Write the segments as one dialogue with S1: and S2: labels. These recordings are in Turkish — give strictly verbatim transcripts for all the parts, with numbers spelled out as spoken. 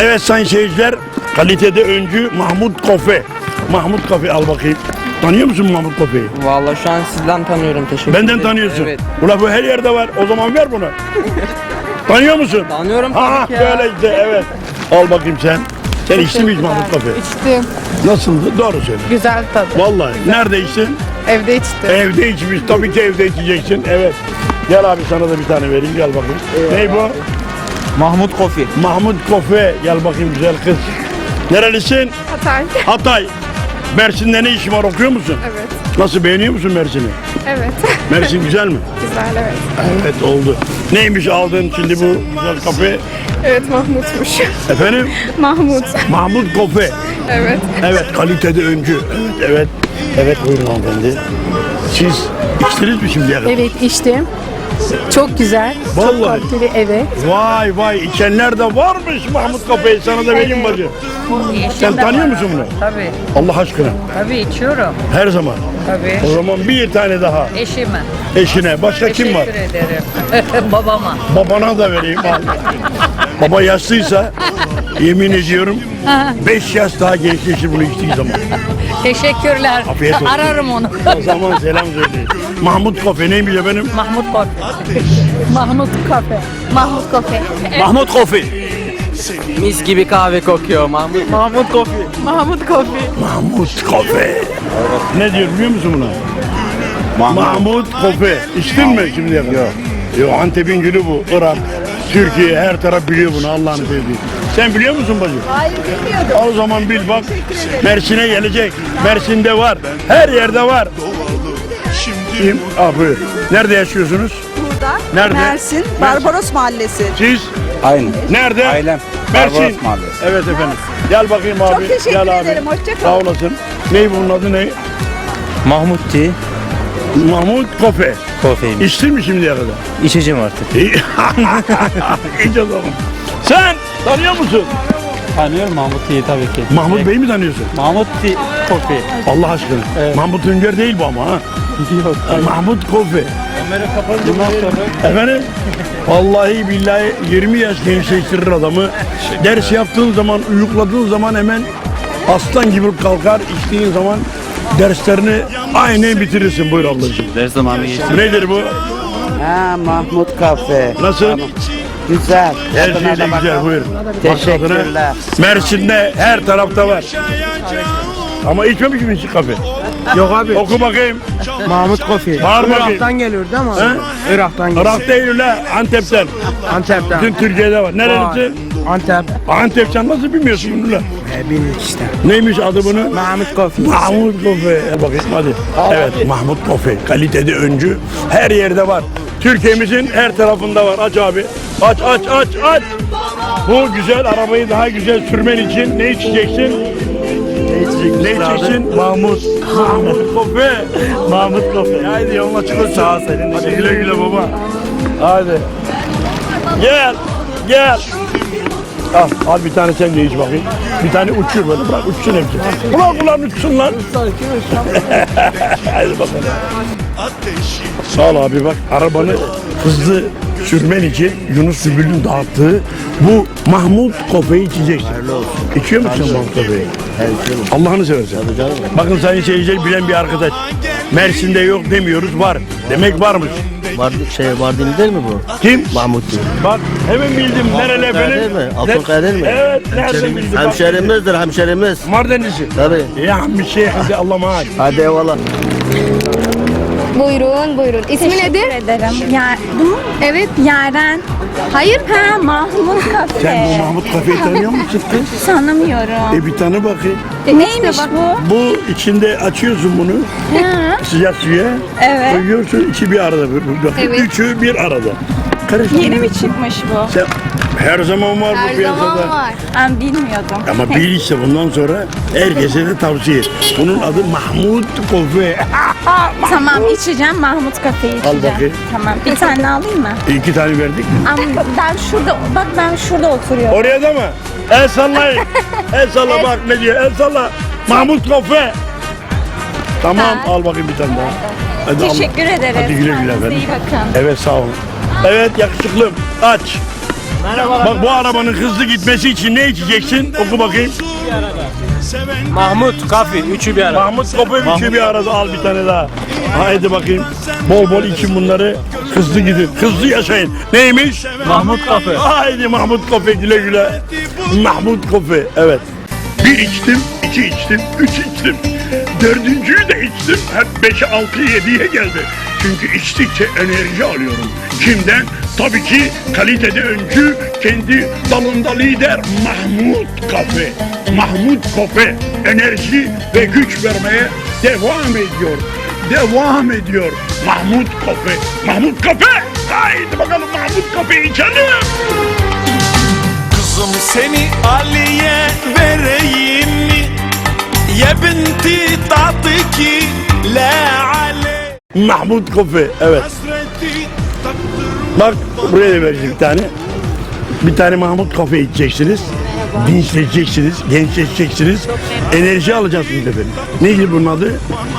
S1: Evet sayın seyirciler, kalitede öncü Mahmut Kofe. Mahmut Kofe al bakayım. Tanıyor musun Mahmut Kofe'yi?
S2: Vallahi şu an sizden tanıyorum, teşekkür ederim.
S1: Benden tanıyorsun.
S2: Evet.
S1: Ula bu her yerde var. O zaman ver bunu. Tanıyor musun?
S2: Tanıyorum
S1: Ha
S2: tabii ki ya.
S1: böyle işte evet. Al bakayım sen. Sen içtin mi hiç Mahmut Kofe?
S3: İçtim.
S1: Nasıldı? Doğru söyle.
S3: Güzel tadı.
S1: Vallahi. Nerede içtin?
S3: Evde içtim.
S1: Evde içmiş. Tabii ki evde içeceksin. Evet. Gel abi sana da bir tane vereyim. Gel bakayım. Ney bu?
S2: Mahmut Kofi.
S1: Mahmut Kofe. Gel bakayım güzel kız. Nerelisin?
S3: Hatay.
S1: Hatay. Mersin'de ne işin var, okuyor musun?
S3: Evet.
S1: Nasıl, beğeniyor musun Mersin'i?
S3: Evet.
S1: Mersin güzel mi?
S3: Güzel evet.
S1: Evet oldu. Neymiş aldığın şimdi bu güzel kafe?
S3: Evet Mahmut'muş.
S1: Efendim?
S3: Mahmut.
S1: Mahmut Kofe.
S3: Evet.
S1: Evet kalitede öncü. Evet evet. Evet buyurun hanımefendi. Siz içtiniz mi şimdiye kadar?
S4: Evet içtim. Çok güzel.
S1: Vallahi.
S4: Çok kaliteli, evet.
S1: Vay vay içenler de varmış Mahmut Kofe'yi, sana da vereyim bacı. Sen tanıyor musun bunu?
S5: Tabii,
S1: Allah aşkına.
S5: tabii içiyorum.
S1: Her zaman.
S5: Tabii.
S1: O zaman bir tane daha
S5: Eşime.
S1: eşine. Başka kim var?
S5: Teşekkür ederim. Babama.
S1: Babana da vereyim. Al. Baba yaşlıysa yemin ediyorum beş yaş daha gençleşir bunu içtiği zaman.
S5: Teşekkürler.
S1: Afiyet olsun.
S5: Ararım onu.
S1: O zaman selam söyleyin. Mahmut Kofe neymiş efendim?
S5: Mahmut Kofi.
S4: Mahmut Kafe.
S3: Mahmut Kofe.
S2: Mahmut Kofi. Mis gibi kahve kokuyor Mahmut. Mahmut Kofi.
S4: Mahmut Kafe.
S1: Mahmut Kofe. Ne diyor biliyor musun buna? Mahmut Kofe. İçtin mi şimdiye kadar? Yok. Yok, Antep'in gülü bu. Irak, Türkiye her taraf biliyor bunu, Allah'ını sevdiği. Sen biliyor musun bacım?
S4: Hayır bilmiyordum.
S1: O zaman bil bak. Mersin'e gelecek. Mersin'de var. Her yerde var. Kim? Aa, buyur. Nerede yaşıyorsunuz?
S6: Burada.
S1: Nerede?
S6: Mersin, Barbaros Mahallesi.
S1: Siz?
S2: Aynı.
S1: Nerede?
S2: Ailem.
S1: Mersin.
S2: Barbaros Mahallesi.
S1: Evet efendim. Gel bakayım abi.
S6: Çok teşekkür
S1: Gel abi.
S6: ederim, hoşça
S1: Sağ
S6: kalın.
S1: olasın. Ney bunun adı ne?
S2: Mahmut Ti.
S1: Mahmut Kofe.
S2: Kofeymiş.
S1: İçtin mi şimdiye kadar?
S2: İçeceğim artık.
S1: İyi. İç o zaman. Sen tanıyor musun?
S2: Tanıyorum Mahmut Ti'yi tabii ki.
S1: Mahmut Bey'i mi tanıyorsun?
S2: Mahmut Ti Kofi.
S1: Allah aşkına. Mahmut Ünger değil bu ama ha.
S2: Yok.
S1: Mahmut Kofe.
S2: Kamera kapanınca bundan sonra.
S1: Efendim? Vallahi billahi yirmi yaş gençleştirir adamı. Ders yaptığın zaman, uyukladığın zaman hemen aslan gibi kalkar. İçtiğin zaman derslerini aynen bitirirsin. Buyur ablacığım.
S2: Ders zamanı geçti.
S1: Nedir bu?
S7: Ha, Mahmut Kafe.
S1: Nasıl?
S7: Güzel.
S1: Her
S7: Tadına
S1: şey de
S7: da
S1: güzel.
S7: bakalım.
S1: Buyur.
S7: Teşekkürler.
S1: Bak tadına. Mersin'de her tarafta var. Ama içmemiş misin hiç kahve?
S2: Yok abi.
S1: Oku bakayım.
S2: Mahmut Kofi.
S1: Bağır bakayım.
S2: Irak'tan geliyor değil mi?
S1: He?
S2: Irak'tan geliyor.
S1: Irak değil la, Antep'ten.
S2: Antep'ten.
S1: Bütün Türkiye'de var. Nerelisin?
S2: Antep.
S1: Antep, sen nasıl bilmiyorsun bunu la?
S2: E, bildik işte.
S1: Neymiş adı bunu?
S2: Mahmut Kofi.
S1: Mahmut Kofe. Gel bakayım hadi. Evet Mahmut Kofe. Kalitede öncü. Her yerde var. Türkiye'mizin her tarafında var. Aç abi. Aç aç aç aç. Bu güzel arabayı daha güzel sürmen için ne içeceksin? Ne içeceksin? Ne içeceksin? Mahmut. Mahmut Kofe. Mahmut Kofe. Haydi yolun açık olsun. Sağ ol senin. Hadi güle güle baba. Hadi. Gel. Gel. Al, al bir tane sen de iç bakayım. Bir tane uçuyor böyle, bırak uçsun hepsi. Ulan ulan uçsun lan. Hadi bakalım. Sağ ol abi bak, arabanı hızlı sürmen için Yunus Sübül'ün dağıttığı bu Mahmut Kofe'yi içeceksin. İçiyor musun Mahmut Kofe'yi? Allah'ını seversen. Bakın sayın seyirciler, bilen bir arkadaş. Mersin'de yok demiyoruz, var. Demek varmış.
S8: Var, şey Mardin değil mi bu?
S1: Kim?
S8: Mahmut değil.
S1: Bak hemen bildim. Nereli efendim?
S8: Değil mi? Afyonkaya değil mi?
S1: Evet, nereden bildin? Bak.
S8: Hemşerimizdir hemşerimiz.
S1: Mardinlisi.
S8: Tabii.
S1: Ya bir şey, hadi Allah maaş.
S8: Hadi eyvallah.
S3: Buyurun buyurun. İsmi nedir?
S4: ederim. Ya,
S3: Evet.
S4: Yaren.
S3: Hayır.
S4: Ha, Mahmut Kafe.
S1: Sen bu Mahmut Kafe'yi tanıyor musun kız?
S4: Tanımıyorum.
S1: E bir tane bakayım.
S4: Neymiş bu?
S1: Bu içinde açıyorsun bunu. Sıcak suya.
S4: Evet.
S1: Koyuyorsun, içi bir arada. Bak,
S3: Evet.
S1: üçü bir arada. Karıştırıyorsun.
S4: Yeni mi çıkmış bu?
S1: Sen, her zaman var bu
S3: Her
S1: piyasada.
S3: zaman var.
S4: Ben bilmiyordum.
S1: Ama bil işte bundan sonra herkese de tavsiye et. Bunun adı Mahmut Kofe.
S4: Tamam içeceğim, Mahmut Kafe'yi içeceğim.
S1: bakayım.
S4: Tamam, bir tane alayım mı?
S1: İki tane verdik mi?
S4: Ama ben şurada, bak ben şurada oturuyorum.
S1: Oraya da mı? El sallayın. El salla bak ne diyor. El salla. Mahmut Kofe. Tamam
S4: Ha.
S1: al bakayım bir tane daha. Hadi al.
S4: Teşekkür ederim.
S1: Hadi güle güle
S4: Kendinize
S1: efendim.
S4: iyi bakın.
S1: Evet sağ olun. Evet yakışıklım. Aç. Bak bu arabanın hızlı gitmesi için ne içeceksin? Oku bakayım.
S2: Mahmut Kafe. Üçü bir arada.
S1: Mahmut Kope üçü bir arada al bir tane daha. Haydi bakayım. Bol bol için bunları. Hızlı gidin. Hızlı yaşayın. Neymiş?
S2: Mahmut Kafe.
S1: Haydi Mahmut Kope güle güle. Mahmut Kope. Evet. Bir içtim, iki içtim, üç içtim. Dördüncüyü de içtim. Hep beşe, altı, yediye geldi. Çünkü içtikçe enerji alıyorum. Kimden? Tabii ki kalitede öncü, kendi dalında lider Mahmut Kafe. Mahmut Kafe enerji ve güç vermeye devam ediyor. Devam ediyor Mahmut Kafe. Mahmut Kafe! Haydi bakalım Mahmut Kafe'yi içelim.
S9: Kızım seni Ali'ye vereyim mi? Ya binti tatıki la ale
S1: Mahmut Kafe. Evet.
S9: hasreti taktır.
S1: Bak buraya da vereceğim bir tane. Bir tane Mahmut Kafe içeceksiniz. Dinçleşeceksiniz, gençleşeceksiniz. Enerji alacaksınız efendim. Neydi bunun adı?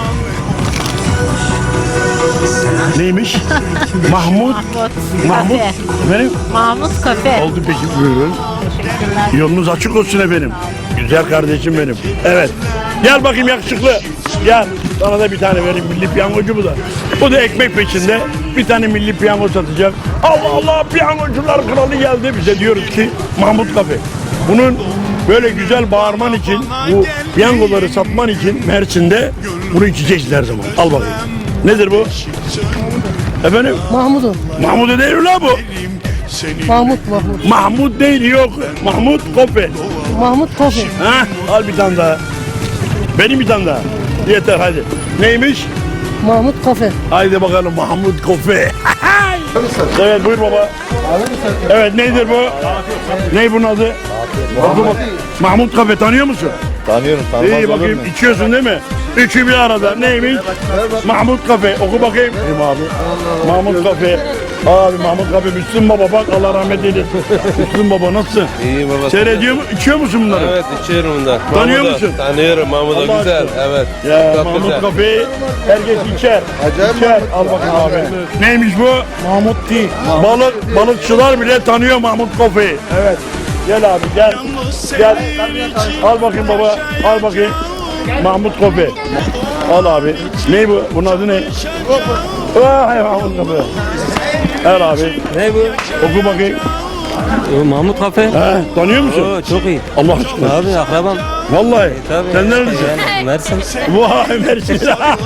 S1: Neymiş? Mahmut. Mahmut. Efendim?
S5: Mahmut Kafe.
S1: Oldu peki buyurun. Yolunuz açık olsun efendim. Güzel kardeşim benim. Evet. Gel bakayım yakışıklı. Gel. Sana da bir tane vereyim. Milli piyangocu bu da. Bu da ekmek peşinde. Bir tane milli piyango satacak. Allah Allah piyangocular kralı geldi. Bize diyoruz ki Mahmut Kafe. Bunun böyle güzel bağırman için, bu piyangoları satman için Mersin'de bunu içeceksin her zaman. Al bakayım. Nedir bu? Efendim?
S10: Mahmut'um.
S1: Mahmut değil mi lan bu?
S10: Mahmut, Mahmut.
S1: Mahmut değil yok. Mahmut Kofe.
S10: Mahmut Kafe.
S1: Ha? Al bir tane daha. Benim bir tane daha. Yeter hadi. Neymiş?
S10: Mahmut Kafe.
S1: Haydi bakalım Mahmut Kofe. Evet buyur baba. Evet nedir bu? Ne bunun adı? Oku bak. Mahmut Kafe tanıyor musun?
S8: Tanıyorum, tanımaz
S1: İyi
S8: olur
S1: bakayım
S8: mu?
S1: içiyorsun değil mi? Üçü bir arada. Neymiş? Mahmut Kafe. Oku bakayım. Abi. Mahmut Kafe. Abi Mahmut Kafe. Müslüm Baba bak Allah rahmet eylesin. Müslüm Baba nasılsın?
S11: İyi baba.
S1: Seyrediyor mu? İçiyor musun bunları?
S11: Evet içiyorum bundan.
S1: Tanıyor
S11: Mahmut'u
S1: musun?
S11: Tanıyorum Mahmut'u
S1: Allah
S11: güzel.
S1: aşkına.
S11: Evet.
S1: Ya
S11: Çok
S1: Mahmut
S11: güzel.
S1: Kafe'yi herkes içer. İçer. Al bakayım abi. Neymiş bu? Mahmut Tea. Balık, balıkçılar bile tanıyor Mahmut Kafe'yi. Evet. Gel abi gel. Gel. Al bakayım baba. Al bakayım. Mahmut Kafe. Al abi. Ne bu? Bunun adı ne? Vay Mahmut Kafe. Al abi.
S2: Ne bu?
S1: Oku bakayım.
S2: Ee, Mahmut Kafe.
S1: He, tanıyor musun?
S2: Oo, çok iyi.
S1: Allah aşkına.
S2: Abi akrabam.
S1: Vallahi.
S2: Tabii.
S1: Sen neredesin?
S2: Yani, Mersin.
S1: Vay Mersin.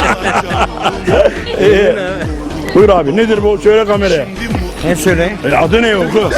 S1: İyi. Buyur abi nedir bu? Söyle kameraya.
S2: Ne söyleyeyim?
S1: E, adı ne oku?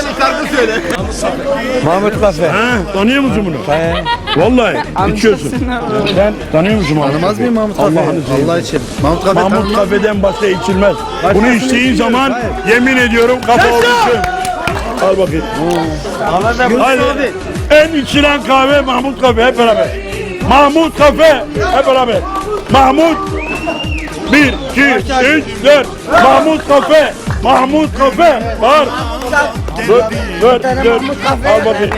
S2: Mahmut Kafe.
S1: Ha, tanıyor musun bunu?
S2: He.
S1: Vallahi içiyorsun. Sen tanıyor musun Mahmut
S8: Tanımaz mıyım Mahmut Kafe?
S1: Allah'ını seveyim.
S8: Allah için. Mahmut Kafe
S1: Mahmut
S8: tanımaz.
S1: Kafe'den başka içilmez. Bunu içtiğin zaman yemin ediyorum kafa olursun. Al bakayım. Hadi. En içilen kahve Mahmut Kafe hep beraber. Mahmut Kafe hep beraber. Mahmut bir, iki, üç, dört. Mahmut Kafe. Mahmut Kafe. Var. Dur, dur, dur. Al bakayım.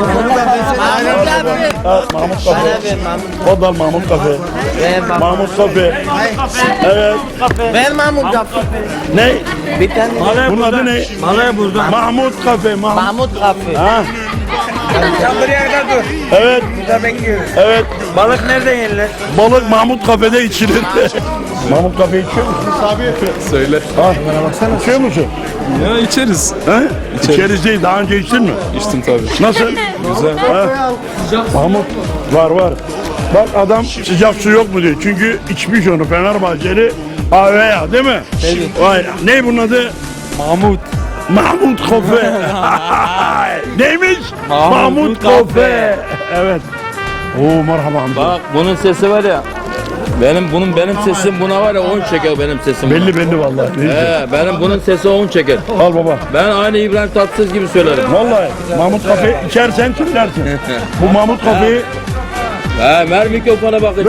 S1: Al, Mahmut Kafe. Odal Mahmut Kafe. Mahmut Kafe. Evet.
S2: Ben Mahmut Kafe.
S1: Ne?
S2: Bir tane.
S1: Bunun adı ne?
S2: Malaya burada.
S1: Mahmut Kafe. Mahmut.
S2: Mahmut Kafe.
S1: Ha?
S2: Sen buraya kadar dur.
S1: Evet.
S2: Burada bekliyoruz.
S1: Evet.
S2: Balık nerede yenilir?
S1: Balık Mahmut Kafe'de içilir. Mahmut Kafe içiyor musun? Abi.
S11: Söyle.
S1: Ha, bana baksana. İçiyor musun?
S11: Ya içeriz.
S1: He? İçeriz değil. Daha önce içtin mi?
S11: İçtim tabii.
S1: Nasıl?
S11: Güzel.
S1: Ha? Mahmut var var. Bak adam sıcak su yok mu diyor. Çünkü içmiş onu Fenerbahçeli Aveya değil mi? Evet. Vay. Ne bunun adı?
S2: Mahmut.
S1: Mahmut Kafe. Neymiş?
S2: Mahmut
S1: Mahmut
S2: Kafe.
S1: Kafe. Evet. Oo merhaba amca.
S12: Bak bunun sesi var ya. Benim bunun benim sesim buna var ya on çeker benim sesim. buna.
S1: Belli belli vallahi. Ne diyeceğim?
S12: He, benim bunun sesi on çeker.
S1: Al baba.
S12: Ben aynı İbrahim Tatlıses gibi söylerim.
S1: Vallahi Mahmut Kafe içersen söylersin. Bu Mahmut Kafe'yi
S12: He, ver mikrofona bakayım.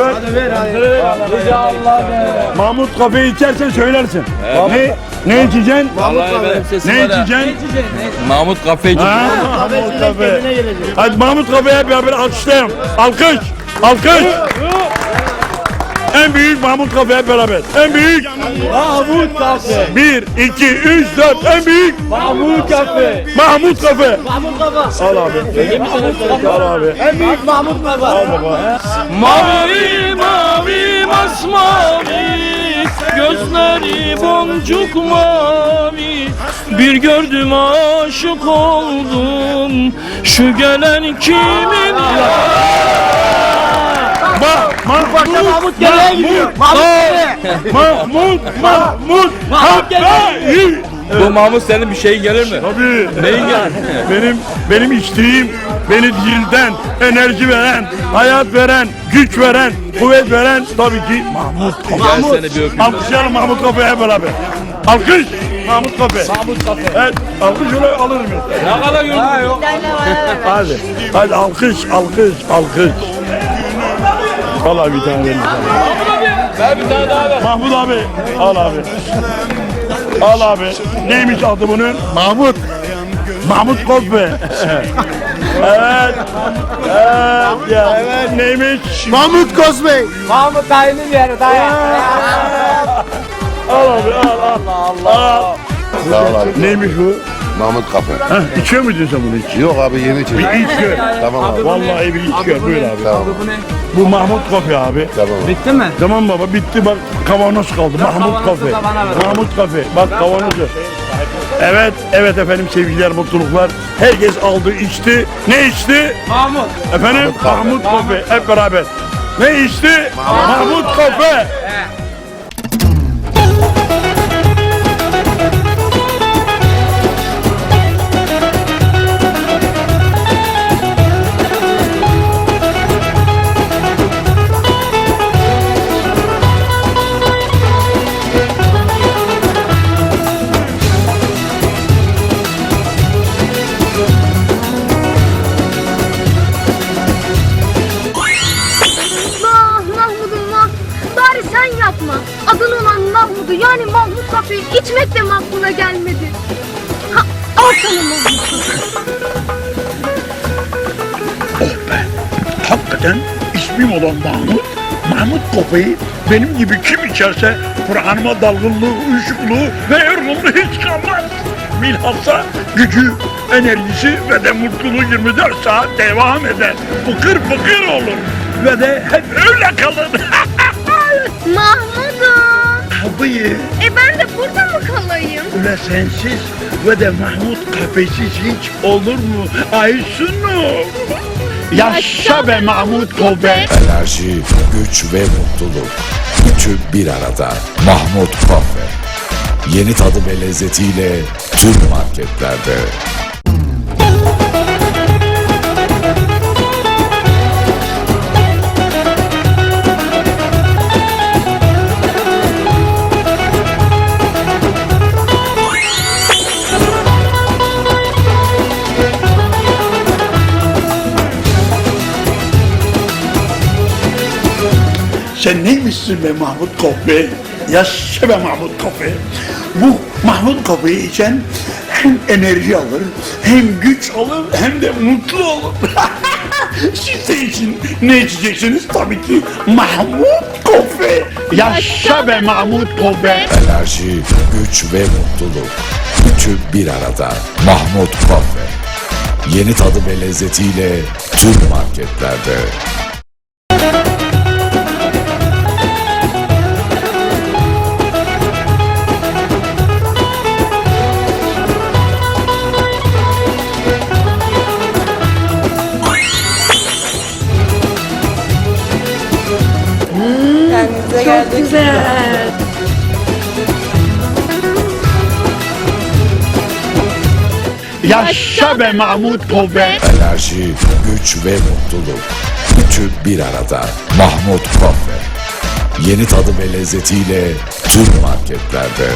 S1: Mahmut Kafe'yi içersen söylersin. Ne ne içeceksin?
S12: Vallahi benim sesim
S1: Ne
S12: var ya.
S1: içeceksin?
S12: Mahmut Kafeci.
S1: Ha, Mahmut Kafe. Hadi Mahmut Kafe'ye beraber alkışlayalım. Alkış. Alkış. En büyük Mahmut Kafe hep beraber. En büyük
S12: Mahmut Kafe.
S1: bir, iki, üç, dört. En büyük
S12: Mahmut Kafe.
S1: Mahmut Kafe.
S12: Mahmut Kafe.
S1: Al abi. Al abi.
S12: En büyük Mahmut Kafe.
S1: Al baba.
S12: Mavi mavi masmavi, gözleri boncuk mavi. Bir gördüm aşık oldum, şu gelen kimin?
S1: Ma Mahmut
S12: Mahmut gelen gidiyor.
S1: Mahmut Mahmut
S12: Mahmut
S1: Kafe.
S12: Bu Mahmut senin bir şeyin gelir mi?
S1: Tabii.
S12: Neyin gelir?
S1: Benim benim içtiğim, beni dirilten, enerji veren, hayat veren, güç veren, kuvvet veren tabii ki Mahmut Kafe.
S12: Gel seni bir öpeyim.
S1: Alkışlayalım Mahmut Kafe'ye hep beraber. Alkış. Mahmut Kafe.
S12: Mahmut Kafe.
S1: Evet, alkış öyle alırım.
S12: Ne kadar gördün?
S1: Hadi. Hadi alkış, alkış, alkış. Al abi bir tane verin.
S12: Ver bir tane daha ver.
S1: Mahmut abi. Al abi. Al abi. Neymiş adı bunun? Mahmut. Mahmut Kafe. Evet. Evet ya. Evet neymiş?
S8: Mahmut Kozbey.
S2: Mahmut dayının yeri dayı.
S1: Al abi al al. Allah Allah.
S8: Sağ ol abi.
S1: Neymiş bu?
S8: Mahmut Kafe.
S1: Heh, içiyor muydun sen bunu hiç?
S8: Yok abi yeni içeceğim.
S1: Bir iç gör.
S8: Tamam abi.
S1: Vallahi bir iç gör. Buyur abi.
S8: Tamam.
S1: Bu Mahmut Kafe abi.
S8: Tamam abi.
S2: Bitti mi?
S1: Tamam baba bitti bak kavanoz kaldı. Mahmut Kafe.
S2: da bana ver.
S1: Mahmut Kafe. Bak kavanozu. Evet, evet efendim sevgiler, mutluluklar. Herkes aldı, içti. Ne içti?
S2: Mahmut.
S1: Efendim Mahmut Kafe. Hep beraber. Ne içti? Mahmut Kafe.
S3: Vah Mahmud'um vah. Bari sen yapma. Adın olan Mahmud'u yani Mahmut Kafe'yi içmek de mi aklına gelmedi? Ha, al sana Mahmut Kafe.
S1: Oh be. Hakikaten ismim olan Mahmut. Mahmut Kafe'yi benim gibi kim içerse Kur'an'ıma dalgınlığı, uyuşukluğu ve yorgunluğu hiç kalmaz. Bilhassa gücü, enerjisi ve de mutluluğu yirmi dört saat devam eder. Fıkır fıkır olur ve de hep öyle kalır.
S3: Mahmud'um.
S1: Tabii
S3: E ben de burada mı kalayım?
S1: öyle sensiz ve de Mahmut Kafesiz hiç olur mu? Aysunum. Yaşa be Mahmut Kafe.
S9: Enerji, güç ve mutluluk. Üçü bir arada. Mahmut Kafe. Yeni tadı ve lezzetiyle tüm marketlerde.
S1: Sen neymişsin be Mahmut Kafe? Yaşa be Mahmut Kafe. Bu Mahmut Kafe'yi içen hem enerji alır, hem güç alır, hem de mutlu olur. Siz de için ne içeceksiniz? Tabii ki Mahmut Kafe. Yaşa be Mahmut Kafe.
S9: Enerji, güç ve mutluluk. Üçü bir arada. Mahmut Kafe. Yeni tadı ve lezzetiyle tüm marketlerde.
S6: Kendinize geldik.
S1: Yaşa be Mahmut Kafe.
S9: Enerji, güç ve mutluluk. Üçü bir arada. Mahmut Kafe. Yeni tadı ve lezzetiyle tüm marketlerde.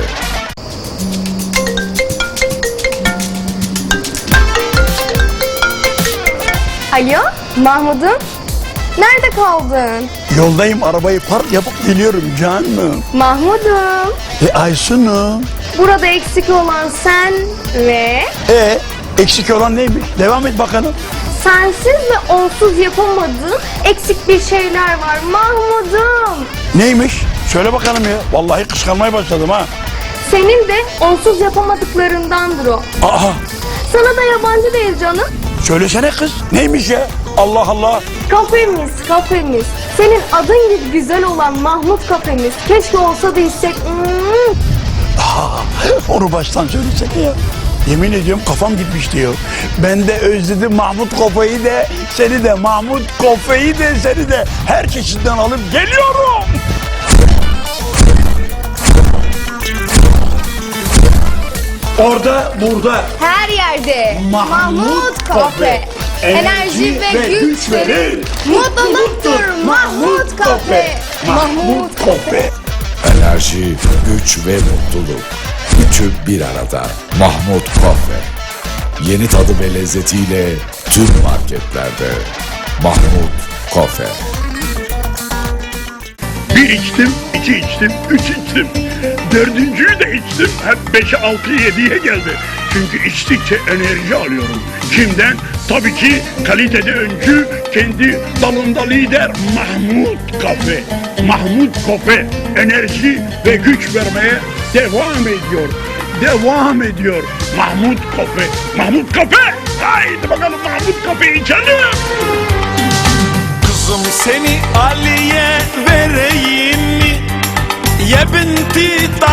S3: Alo Mahmud'um. Nerede kaldın?
S1: Yoldayım, arabayı park yapıp geliyorum canım.
S3: Mahmud'um.
S1: E Aysun'um.
S3: Burada eksik olan sen ve...
S1: E Eksik olan neymiş? Devam et bakalım.
S3: Sensiz ve onsuz yapamadığın eksik bir şeyler var Mahmud'um.
S1: Neymiş? Söyle bakalım ya. Vallahi kıskanmaya başladım ha.
S3: Senin de onsuz yapamadıklarındandır o.
S1: Aha.
S3: Sana da yabancı değil canım.
S1: Söylesene kız. Neymiş ya? Allah Allah.
S3: Kafemiz, kafemiz. Senin adın gibi güzel olan Mahmut kafemiz. Keşke olsa da içsek. Hmm.
S1: Onu baştan söylesek ya. Yemin ediyorum kafam gitmiş diyor. Ben de özledim Mahmut Kofe'yi de, seni de Mahmut Kofe'yi de, seni de her çeşitten alıp geliyorum. Orada, burada.
S3: Her yerde
S1: Mahmut Kafe.
S3: Enerji ve güç verir. Mutluluktur Mahmut Kafe.
S1: Mahmut Kafe.
S9: Enerji, güç ve mutluluk. Üçü bir arada. Mahmut Kafe. Yeni tadı ve lezzetiyle tüm marketlerde. Mahmut Kafe.
S1: Bir içtim, iki içtim, üç içtim. Dördüncüyü de içtim. Hep beşe, altı, yediye geldi. Çünkü içtikçe enerji alıyorum. Kimden? Tabii ki kalitede öncü, kendi dalında lider Mahmut Kafe. Mahmut Kafe enerji ve güç vermeye devam ediyor. Devam ediyor Mahmut Kafe. Mahmut Kafe! Haydi bakalım Mahmut Kafe içelim.
S12: Kızım seni Ali'ye vereyim mi? Ya binti